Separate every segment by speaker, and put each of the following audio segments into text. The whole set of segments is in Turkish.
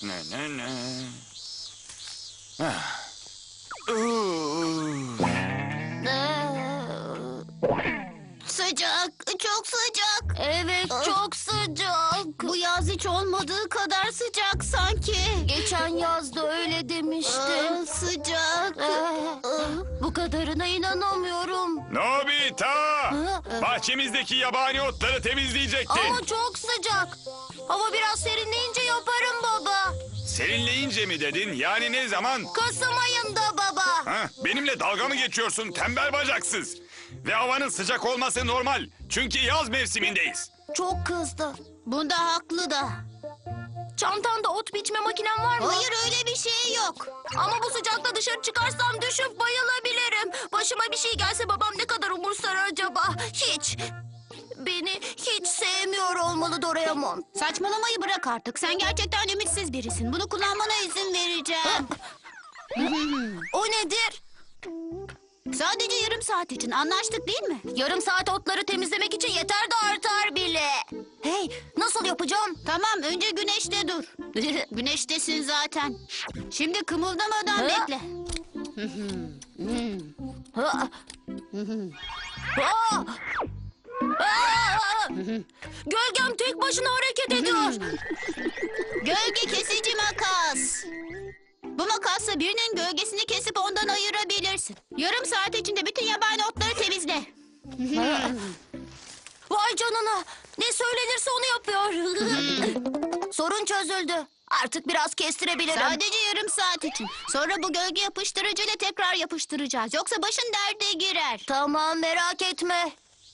Speaker 1: Ne ne ne.
Speaker 2: Sıcak, çok sıcak. Evet, çok sıcak. Bu yaz hiç olmadığı kadar sıcak sanki. Geçen yaz da öyle demiştin. Sıcak. Bu kadarına inanamıyorum.
Speaker 1: Nobita! Bahçemizdeki yabani otları temizleyecektin.
Speaker 2: Ama çok sıcak. Hava biraz serinleyince yaparım baba.
Speaker 1: Serinleyince mi dedin? Yani ne zaman?
Speaker 2: Kasım ayında baba.
Speaker 1: Ha, benimle dalga mı geçiyorsun tembel bacaksız? Ve havanın sıcak olması normal. Çünkü yaz mevsimindeyiz.
Speaker 2: Çok kızdı. Bunda haklı da. Çantanda ot biçme makinen var mı? Hayır, öyle bir şey yok. Ama bu sıcakta dışarı çıkarsam düşüp bayılabilirim. Başıma bir şey gelse babam ne kadar umursar acaba? Hiç. Beni hiç sevmiyor olmalı Doraemon. Saçmalamayı bırak artık. Sen gerçekten ümitsiz birisin. Bunu kullanmana izin vereceğim. O nedir? Sadece yarım saat için anlaştık değil mi? Yarım saat otları temizlemek için yeter de artar bile. Hey, nasıl yapacağım? Tamam, önce güneşte dur. Güneştesin zaten. Şimdi kımıldamadan bekle. Gölgem tek başına hareket ediyor. Gölge kesici makas. Bu makasla birinin gölgesini kesip ondan ayırabilirsin. Yarım saat içinde bütün yabani otları temizle. Vay canına. Ne söylenirse onu yapıyor. Sorun çözüldü. Artık biraz kestirebilirim. Sadece yarım saat için. Sonra bu gölge yapıştırıcıyla tekrar yapıştıracağız. Yoksa başın derde girer. Tamam, merak etme.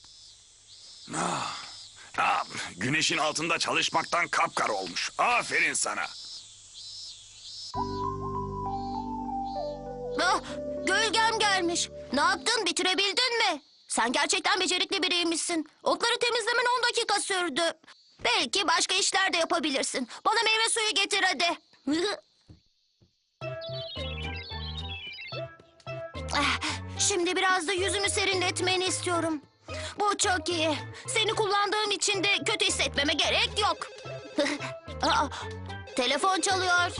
Speaker 1: Güneşin altında çalışmaktan kapkara olmuş. Aferin sana.
Speaker 2: Gölgem gelmiş. Ne yaptın? Bitirebildin mi? Sen gerçekten becerikli biriymişsin. Otları temizlemen 10 dakika sürdü. Belki başka işler de yapabilirsin. Bana meyve suyu getir hadi. Şimdi biraz da yüzümü serinletmeni istiyorum. Bu çok iyi. Seni kullandığım için de kötü hissetmeme gerek yok. Telefon çalıyor.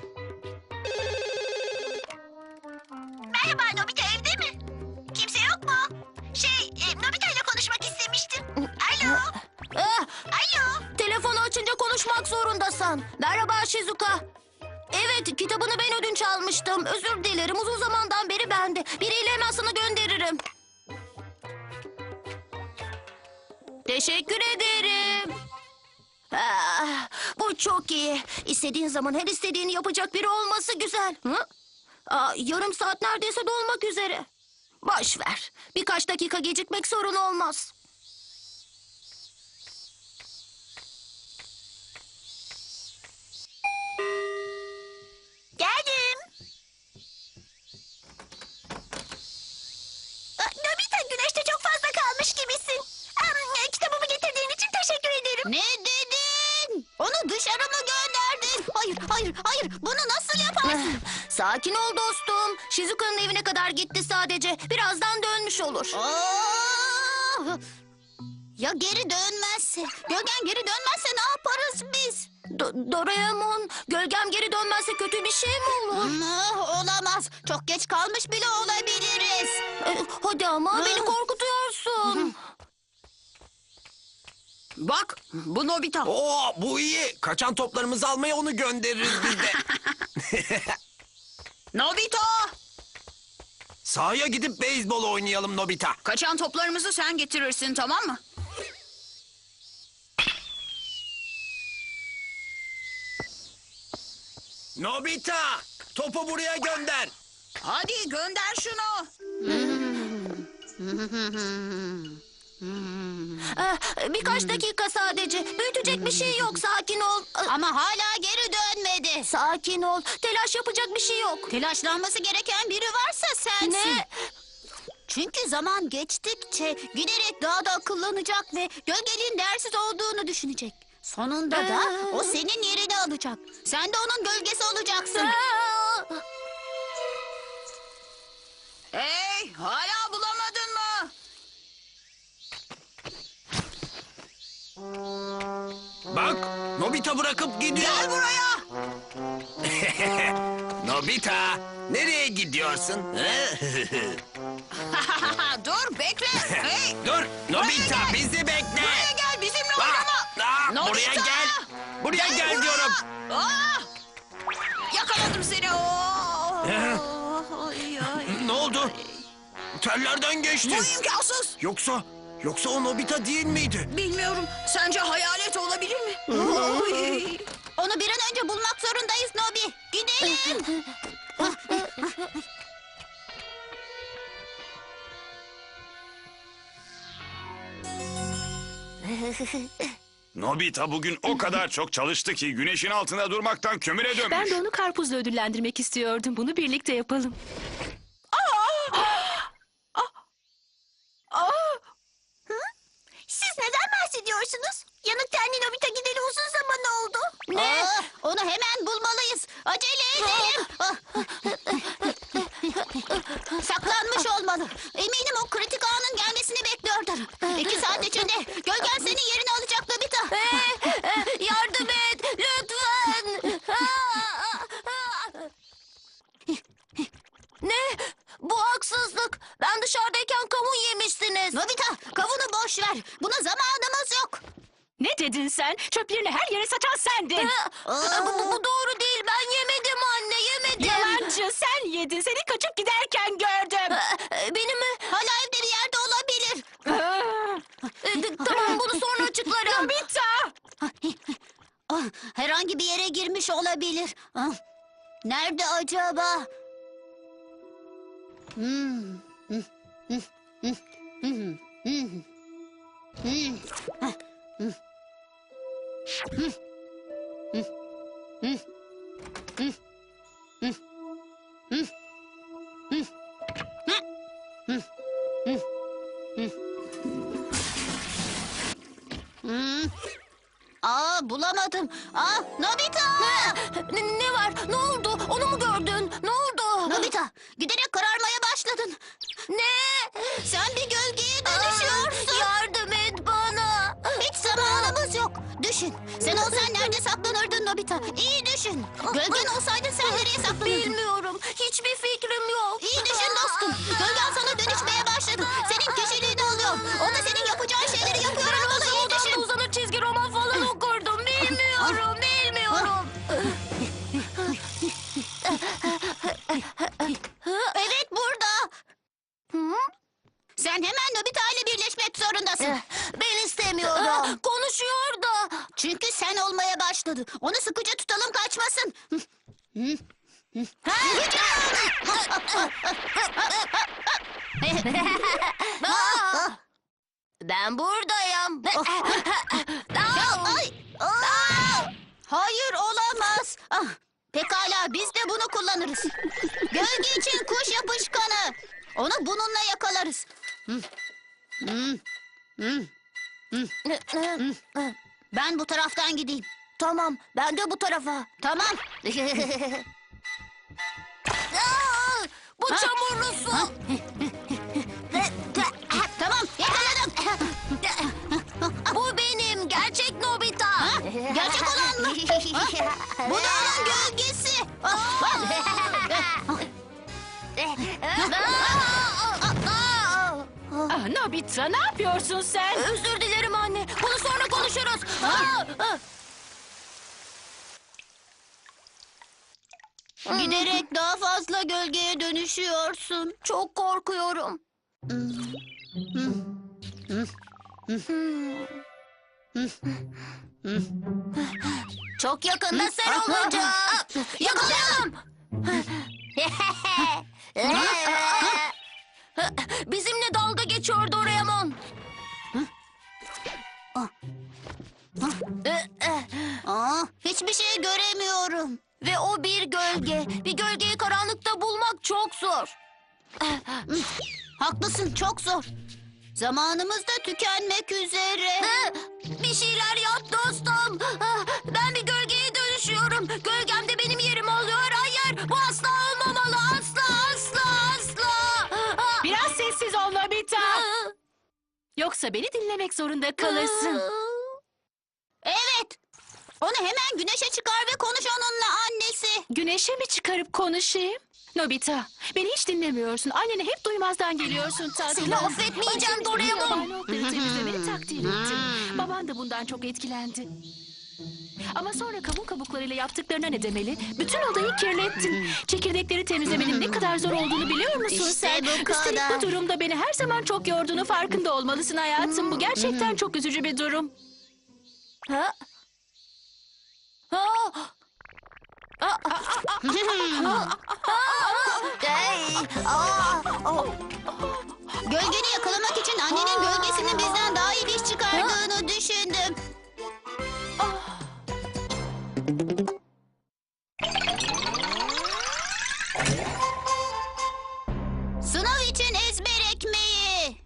Speaker 3: Merhaba, Nobita evde mi? Kimse yok mu? Nobita ile konuşmak istemiştim. Alo, alo.
Speaker 2: Telefonu açınca konuşmak zorundasın. Merhaba Shizuka. Evet, kitabını ben ödünç almıştım. Özür dilerim, uzun zamandan beri bende. Biriyle hemen sana gönderirim. Teşekkür ederim. Bu çok iyi. İstediğin zaman her istediğini yapacak biri olması güzel. Yarım saat neredeyse dolmak üzere. Boş ver. Birkaç dakika gecikmek sorun olmaz.
Speaker 3: Geldim. Nobita, güneşte çok fazla kalmış gibisin. Kitabımı getirdiğin için teşekkür ederim.
Speaker 2: Ne dedin? Onu dışarı mı gönderdin? Hayır. Bunu nasıl yaparsın? Sakin ol dostum. Shizuka'nın evine kadar gitti sadece. Birazdan dönmüş olur. Ya geri dönmezse? Gölgen geri dönmezse ne yaparız biz? Doraemon, gölgem geri dönmezse kötü bir şey mi olur? Olamaz. Çok geç kalmış bile olabiliriz. Hadi ama beni korkutuyorsun.
Speaker 4: Bak, bu Nobita.
Speaker 5: Oo, bu iyi. Kaçan toplarımızı almaya onu göndeririz biz de.
Speaker 4: Nobita!
Speaker 5: Sahaya gidip beyzbol oynayalım Nobita.
Speaker 4: Kaçan toplarımızı sen getirirsin, tamam mı?
Speaker 5: Nobita, topu buraya gönder.
Speaker 4: Hadi gönder şunu.
Speaker 2: Birkaç dakika sadece. Büyütecek bir şey yok. Sakin ol. Ama hala geri dönmedi. Sakin ol. Telaş yapacak bir şey yok. Telaşlanması gereken biri varsa sensin. Ne? Çünkü zaman geçtikçe giderek daha da akıllanacak ve gölgenin değersiz olduğunu düşünecek. Sonunda da o senin yerini alacak. Sen de onun gölgesi olacaksın.
Speaker 4: Hey, hala bulamadın mı?
Speaker 5: Bak, Nobita bırakıp gidiyor.
Speaker 4: Gel buraya.
Speaker 5: Nobita, nereye gidiyorsun?
Speaker 4: Dur bekle. Hey.
Speaker 5: Dur, Nobita
Speaker 4: gel.
Speaker 5: bizi bekle.
Speaker 4: Buraya gel bizimle
Speaker 5: Aa,
Speaker 4: oynama.
Speaker 5: aa, buraya gel. Buraya gel diyorum.
Speaker 4: Aa! Yakaladım seni.
Speaker 5: Ne oldu? Tellerden geçti.
Speaker 4: Bu imkansız.
Speaker 5: Yoksa o Nobita değil miydi?
Speaker 4: Bilmiyorum. Sence hayalet olabilir mi?
Speaker 2: Onu bir an önce bulmak zorundayız Nobi. Gidelim.
Speaker 1: Nobita bugün o kadar çok çalıştı ki güneşin altında durmaktan kömüre dönmüş.
Speaker 6: Ben de onu karpuzla ödüllendirmek istiyordum. Bunu birlikte yapalım.
Speaker 2: Siz neden bahsediyorsunuz? Yanık tenli Nobita gideli uzun zaman oldu. Ne? Onu hemen bulmalıyız. Acele edelim. Saklanmış olmalı. Eminim o kritik anın gelmesini bekliyordur. 2 saat içinde gölgen senin yerini alacak Nobita. Yardım et lütfen. Ne? Bu haksızlık. Ben dışarıdayken kavun yemişsiniz. Nobita, kavunu boş ver. Buna zamanımız yok.
Speaker 6: Ne dedin sen? Çöplerini her yere saçan sendin.
Speaker 2: Bu doğru değil. Ben yemedim anne, yemedim.
Speaker 6: Yalancı, sen yedin. Seni kaçıp giderken gördüm.
Speaker 2: Benim mi? Hala evde bir yerde olabilir. Tamam, bunu sonra açıklarım.
Speaker 6: Nobita!
Speaker 2: Herhangi bir yere girmiş olabilir. Nerede acaba? Bulamadım. Nobita! Ne var? Ne oldu? Onu mu gördün? Ne oldu? Nobita, giderek kararmaya başladın. Ne? Sen bir gölgeye dönüşüyorsun. Yardım et bana. Hiç zamanımız yok. Düşün. Sen olsan nerede saklanırdın Nobita? İyi düşün. Gölgen olsaydı sen nereye saklanırdın? Bilmiyorum. Hiçbir fikrim yok. İyi düşün dostum. Gölgen sana dönüşmeye başladı. Senin kişiliğini alıyor. O da senin yapacağın şeyleri yapıyor olmalı. İyi düşün. Uzanır çizgi roman falan okurdum. Bilmiyorum. Evet, burada. Sen hemen Nobita ile birleşmek zorundasın. Ben istemiyorum. Konuşuyor da. Çünkü sen olmaya başladı. Onu sıkıca tutalım, kaçmasın. Ben buradayım. Hayır, olamaz. Pekala, biz de bunu kullanırız. Gölge için kuş yapışkanı. Onu bununla yakalarız. Ben bu taraftan gideyim. Tamam, ben de bu tarafa. Tamam. Bu çamurlu su. Tamam, yakaladım. Bu benim gerçek Nobita. Gerçek olan mı? Bu da onun gölgesi.
Speaker 6: Nobita, ne yapıyorsun sen?
Speaker 2: Özür dilerim anne. Bunu sonra konuşuruz. Giderek daha fazla gölgeye dönüşüyorsun. Çok korkuyorum. Çok yakında sen olacaksın. Yakalayalım. Bizimle dalga geçiyor Doraemon. Hiçbir şey göremiyorum. Ve o bir gölge. Bir gölgeyi karanlıkta bulmak çok zor. Haklısın, çok zor. Zamanımız da tükenmek üzere. Bir şeyler yap dostum. Ben bir gölgeye dönüşüyorum. Gölgem de benim yerimi alıyor. Hayır, bu asla olmamalı. Asla, asla, asla.
Speaker 6: Biraz sessiz ol Nobita. Yoksa beni dinlemek zorunda kalırsın.
Speaker 2: Evet.
Speaker 6: O
Speaker 2: Onu hemen güneşe çıkar ve konuş onunla annesi.
Speaker 6: Güneşe mi çıkarıp konuşayım? Nobita, beni hiç dinlemiyorsun. Annene hep duymazdan geliyorsun tatlım.
Speaker 2: Seni affetmeyeceğim Doraemon.
Speaker 6: Yabani otları temizlemeni takdir ettim. Baban da bundan çok etkilendi. Ama sonra kavun kabuklarıyla yaptıklarına ne demeli? Bütün odayı kirlettin. Çekirdekleri temizlemenin ne kadar zor olduğunu biliyor musun
Speaker 2: İşte
Speaker 6: sen?
Speaker 2: bu
Speaker 6: Üstelik
Speaker 2: kadar.
Speaker 6: bu durumda beni her zaman çok yorduğunu farkında olmalısın hayatım. Bu gerçekten çok üzücü bir durum.
Speaker 2: Ha? Ha? Gölgeni yakalamak için annenin gölgesinin bizden daha iyi bir iş çıkardığını düşündüm. Sınav için ezber ekmeği.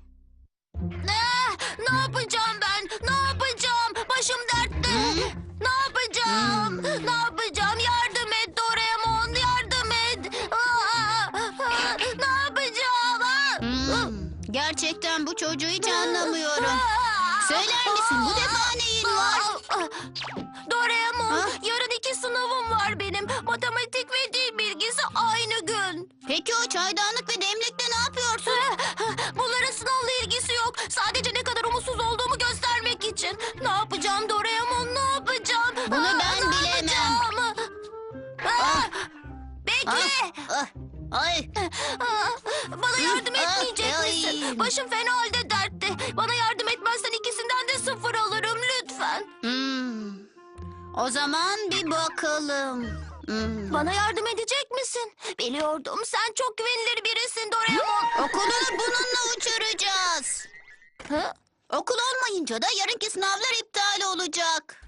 Speaker 2: Ne yapacağım ben? Ne yapacağım? Başım dertte. Ne yapacağım? Ne yapacağım? Yardım et Doraemon, yardım et. Ne yapacağım? Gerçekten bu çocuğu hiç anlamıyorum. Söyler misin bu defa neyin var? Doraemon, yarın 2 sınavım var benim. Matematik ve dil bilgisi aynı gün. Peki o çaydanlık ve demlikle ne yapıyorsun? Bunların sınavla ilgisi yok. Sadece ne kadar umutsuz olduğumu göstermek için. Ne yapacağım Doraemon, ne yapacağım? Bunu ben bilemem. Bekle. Ay. Bana yardım etmeyecek misin? Başım fena halde dertte. Bana yardım etmezsen ikisinden de 0 alırım lütfen. O zaman bir bakalım. Bana yardım edecek misin? Biliyordum, sen çok güvenilir birisin Doraemon. Okulunu bununla uçuracağız. Okul olmayınca da yarınki sınavlar iptal olacak.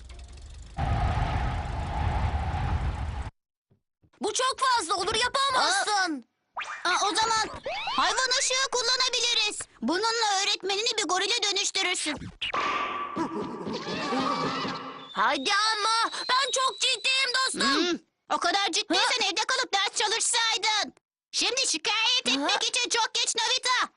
Speaker 2: Bu çok fazla olur, yapamazsın. O zaman hayvan ışığı kullanabiliriz. Bununla öğretmenini bir gorile dönüştürürsün. Hadi ama ben çok ciddiyim dostum. O kadar ciddiysen evde kalıp ders çalışsaydın. Şimdi şikayet etmek için çok geç Nobita.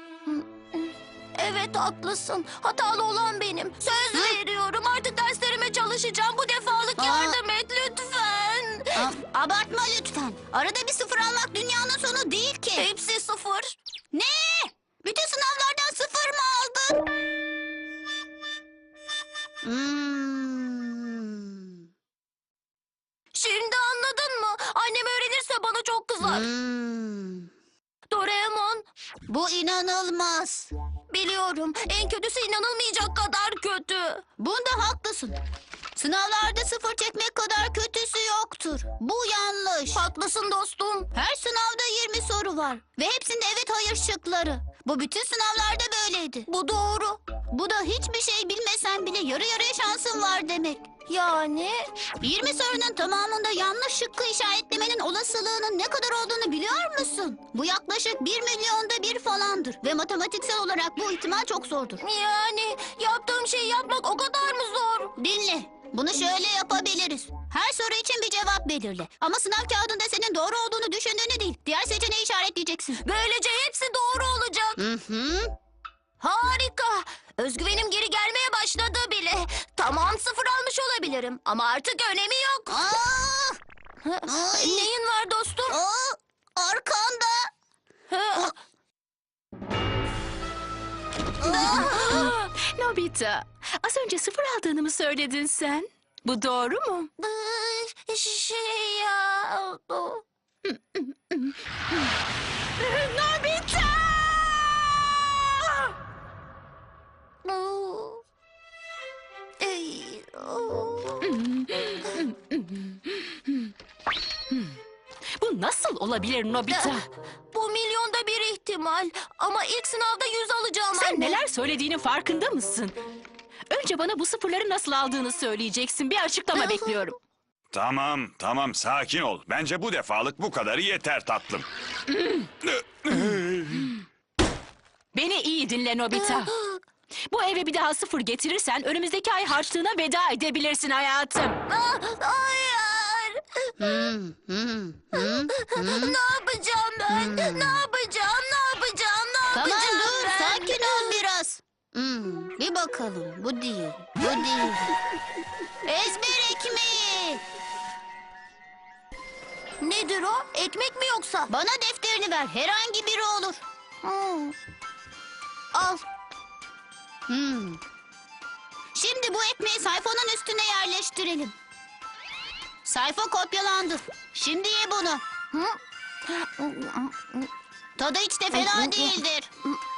Speaker 2: Evet haklısın. Hatalı olan benim. Söz veriyorum artık derslerime çalışacağım. Bu defalık yardım et lütfen. Abartma lütfen. Arada bir 0 almak dünyanın sonu değil ki. Hepsi 0. Ne? Bütün sınavlardan 0 mı aldın? Şimdi anladın mı? Annem öğrenirse bana çok kızar. Doraemon. Bu inanılmaz. Biliyorum. En kötüsü inanılmayacak kadar kötü. Bunda haklısın. Sınavlarda 0 çekmek kadar kötüsü yoktur. Bu yanlış. Haklısın dostum. Her sınavda 20 soru var. Ve hepsinde evet hayır şıkları. Bu bütün sınavlarda böyleydi. Bu doğru. Bu da hiçbir şey bilmesen bile yarı yarıya şansın var demek. Yani? 20 sorunun tamamında yanlış şıkkı işaretlemenin olasılığının ne kadar olduğunu biliyor musun? Bu yaklaşık 1 milyonda 1 falandır. Ve matematiksel olarak bu ihtimal çok zordur. Yani yaptığım şeyi yapmak o kadar mı zor? Dinle. Bunu şöyle yapabiliriz. Her soru için bir cevap belirle. Ama sınav kağıdında senin doğru olduğunu düşündüğünü değil, diğer seçeneği işaretleyeceksin. Böylece hepsi doğru olacak. Harika. Özgüvenim geri gelmeye başladı bile. Tamam 0 almış olabilirim ama artık önemi yok. Neyin var dostum? Arkanda.
Speaker 6: Nobita, az önce 0 aldığını mı söyledin sen? Bu doğru mu?
Speaker 2: Şey ya.
Speaker 6: Nobita! Bu nasıl olabilir Nobita?
Speaker 2: Bu milyonda bir ihtimal. Ama ilk sınavda 100 alacağım
Speaker 6: Sen
Speaker 2: anne.
Speaker 6: neler söylediğinin farkında mısın? Önce bana bu 0'ları nasıl aldığını söyleyeceksin. Bir açıklama bekliyorum.
Speaker 1: Tamam sakin ol. Bence bu defalık bu kadarı yeter tatlım.
Speaker 6: Beni iyi dinle Nobita. Bu eve bir daha 0 getirirsen önümüzdeki ay harçlığına veda edebilirsin hayatım.
Speaker 2: Hayır. Ne yapacağım ben? Ne yapacağım? Ne yapacağım? Ne yapacağım
Speaker 7: Tamam dur,
Speaker 2: ben?
Speaker 7: sakin ol biraz.
Speaker 2: Bir bakalım. Bu değil. Bu değil. Ezber ekmeği. Nedir o? Ekmek mi yoksa? Bana defterini ver. Herhangi biri olur. Al. Şimdi bu ekmeği sayfanın üstüne yerleştirelim. Sayfa kopyalandı. Şimdi ye bunu. Tadı hiç de fena değildir.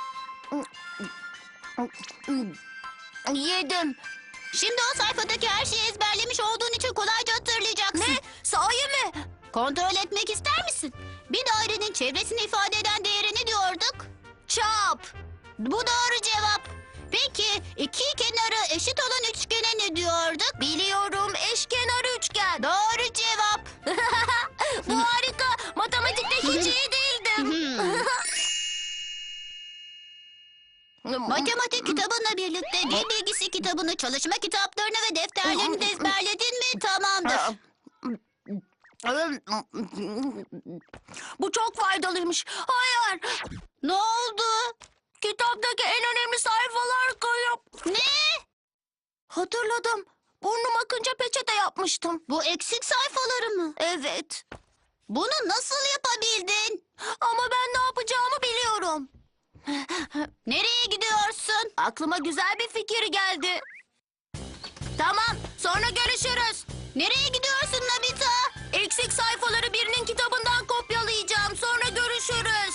Speaker 2: Yedim. Şimdi o sayfadaki her şeyi ezberlemiş olduğun için kolayca hatırlayacaksın. Ne? Sahi mi? Kontrol etmek ister misin? Bir dairenin çevresini ifade eden değere ne diyorduk? Çap. Bu doğru cevap. Peki iki kenarı eşit olan üçgene ne diyorduk? Biliyorum, eşkenar üçgen. Doğru cevap. Bu harika. Matematikte hiç iyi değildim. Matematik kitabınla birlikte dil bilgisi kitabını, çalışma kitaplarını ve defterlerini de ezberledin mi? Tamamdır. Bu çok faydalıymış. Hayır. Ne oldu? Kitaptaki en önemli sayfalar kayıp. Ne? Hatırladım. Burnum akınca peçete yapmıştım. Bu eksik sayfaları mı? Evet. Bunu nasıl yapabildin? Ama ben ne yapacağımı biliyorum. Nereye gidiyorsun? Aklıma güzel bir fikir geldi. Tamam, sonra görüşürüz. Nereye gidiyorsun Nobita? Eksik sayfaları birinin kitabından kopyalayacağım. Sonra görüşürüz.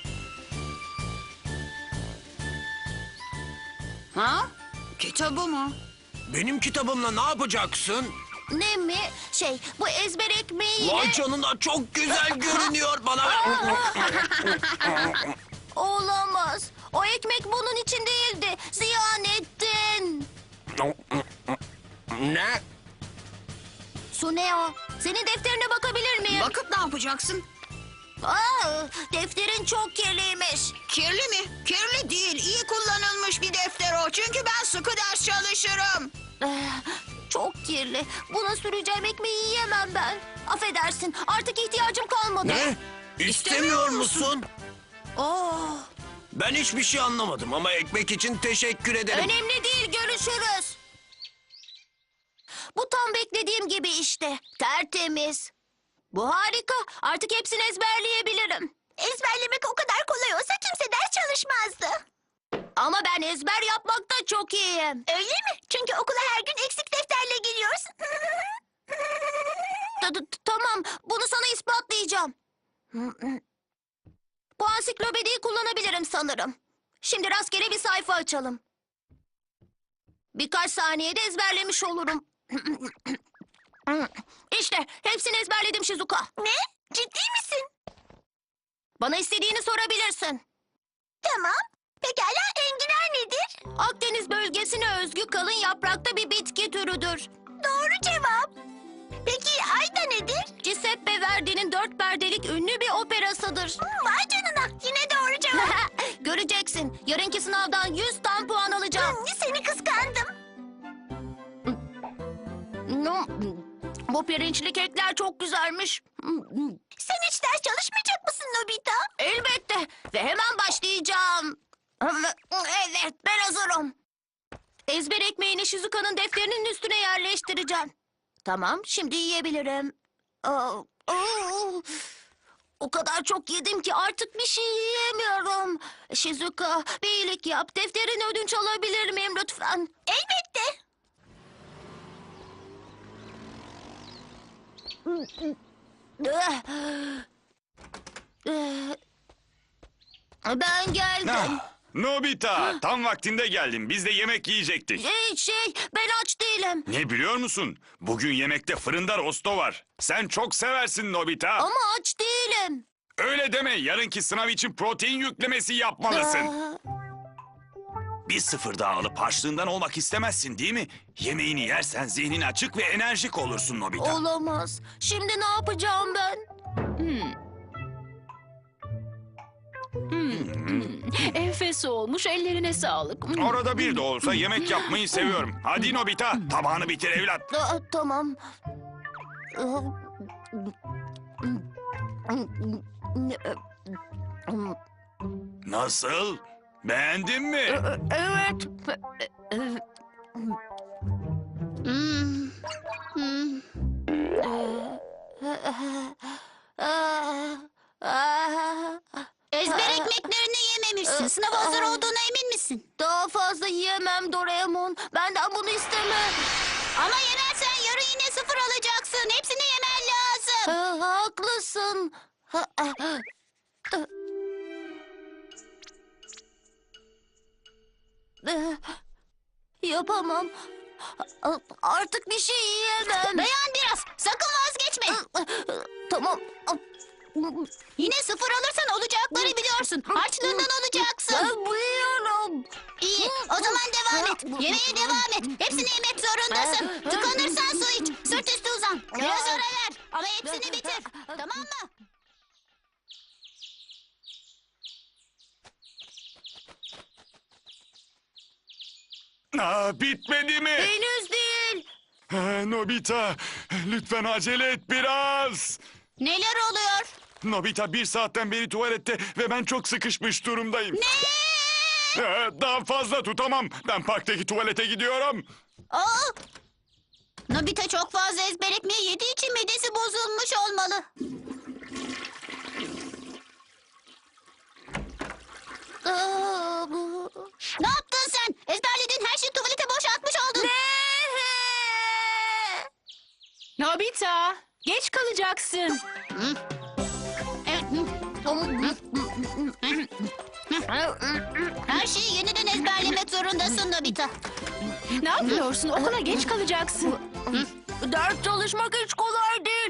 Speaker 4: Ha? Kitabı mı?
Speaker 5: Benim kitabımla ne yapacaksın?
Speaker 2: Ne mi? Bu ezber ekmeğiyle...
Speaker 5: Vay canına, çok güzel görünüyor bana.
Speaker 2: Olamaz. O ekmek bunun için değildi. Ziyan ettin.
Speaker 5: Ne?
Speaker 2: Suneo, senin defterine bakabilir miyim?
Speaker 4: Bakıp ne yapacaksın?
Speaker 2: Defterin çok kirliymiş.
Speaker 4: Kirli mi? Kirli değil. İyi kullanılmış bir defter o. Çünkü ben sıkı ders çalışırım.
Speaker 2: Çok kirli. Buna süreceğim ekmeği yiyemem ben. Affedersin, artık ihtiyacım kalmadı.
Speaker 5: Ne? İstemiyor musun?
Speaker 2: Oh,
Speaker 5: Ben hiçbir şey anlamadım ama ekmek için teşekkür ederim.
Speaker 2: önemli değil, görüşürüz. Bu tam beklediğim gibi işte. Tertemiz. Bu harika. Artık hepsini ezberleyebilirim.
Speaker 3: Ezberlemek o kadar kolay olsa kimse ders çalışmazdı.
Speaker 2: Ama ben ezber yapmakta çok iyiyim.
Speaker 3: Öyle mi? Çünkü okula her gün eksik defterle geliyorsun.
Speaker 2: Tamam, bunu sana ispatlayacağım. Bu ansiklopediyi kullanabilirim sanırım. Şimdi rastgele bir sayfa açalım. Birkaç saniyede ezberlemiş olurum. İşte hepsini ezberledim Shizuka.
Speaker 3: Ne? Ciddi misin?
Speaker 2: Bana istediğini sorabilirsin.
Speaker 3: Tamam. Pekala, enginar nedir?
Speaker 2: Akdeniz bölgesine özgü kalın yaprakta bir bitki türüdür.
Speaker 3: Doğru cevap. Peki ayda nedir?
Speaker 2: Giuseppe Verdi'nin 4 perdelik ünlü bir operasıdır.
Speaker 3: Vay canına, yine doğru cevap.
Speaker 2: Göreceksin. Yarınki sınavdan 100 tam puan alacağım.
Speaker 3: Seni kıskandım.
Speaker 2: Bu pirinçli kekler çok güzelmiş.
Speaker 3: Sen hiç ders çalışmayacak mısın Nobita?
Speaker 2: Elbette. Ve hemen başlayacağım. Evet, ben hazırım. Ezber ekmeğini Shizuka'nın defterinin üstüne yerleştireceğim. Tamam, şimdi yiyebilirim. O kadar çok yedim ki artık bir şey yiyemiyorum. Shizuka, bir iyilik yap. Defterini ödünç alabilir miyim lütfen?
Speaker 3: Elbette.
Speaker 2: Ben geldim.
Speaker 1: Nobita, tam vaktinde geldin. Biz de yemek yiyecektik.
Speaker 2: Ben aç değilim.
Speaker 1: Ne biliyor musun? Bugün yemekte fırında rosto var. Sen çok seversin Nobita.
Speaker 2: Ama aç değilim.
Speaker 1: Öyle deme. Yarınki sınav için protein yüklemesi yapmalısın. Bir sıfır daha alıp harçlığından olmak istemezsin değil mi? Yemeğini yersen zihnin açık ve enerjik olursun Nobita.
Speaker 2: Olamaz. Şimdi ne yapacağım ben?
Speaker 6: Enfes olmuş, ellerine sağlık.
Speaker 1: Orada bir de olsa yemek yapmayı seviyorum. Hadi Nobita, tabağını bitir evlat.
Speaker 2: Tamam.
Speaker 1: Nasıl? Beğendin mi?
Speaker 2: Evet.
Speaker 3: Ezber ekmeklerini yememişsin. Sınav hazır olduğuna emin misin?
Speaker 2: Daha fazla yiyemem Doraemon. Benden bunu isteme.
Speaker 3: Ama yemezsen yarın yine 0 alacaksın. Hepsini yemen lazım.
Speaker 2: Haklısın. Yapamam. Artık bir şey yiyemem.
Speaker 3: Dayan biraz. Sakın vazgeçme.
Speaker 2: Tamam.
Speaker 3: Yine 0 alırsan olacakları biliyorsun. Harçlığından alacaksın.
Speaker 2: Ben biliyorum.
Speaker 3: İyi. O zaman devam et. Yemeğe devam et. Hepsini yemek zorundasın. Tıkanırsan su iç. Sırt üstü uzan. Biraz ara ver. Ama hepsini bitir. Tamam mı?
Speaker 1: Bitmedi mi?
Speaker 2: Henüz değil.
Speaker 1: Nobita, lütfen acele et biraz.
Speaker 3: Neler oluyor?
Speaker 1: Nobita 1 saatten beri tuvalette ve ben çok sıkışmış durumdayım.
Speaker 3: Ne?
Speaker 1: Daha fazla tutamam. Ben parktaki tuvalete gidiyorum.
Speaker 3: Aa! Nobita çok fazla ezber ekmeği yediği için midesi bozulmuş olmalı. Ne yaptın sen? Ezberlediğin her şeyi tuvalete boşaltmış oldun.
Speaker 6: Nobita, geç kalacaksın.
Speaker 3: Her şeyi yeniden ezberlemek zorundasın Nobita.
Speaker 6: Ne yapıyorsun? Okula geç kalacaksın.
Speaker 2: Ders çalışmak hiç kolay değil.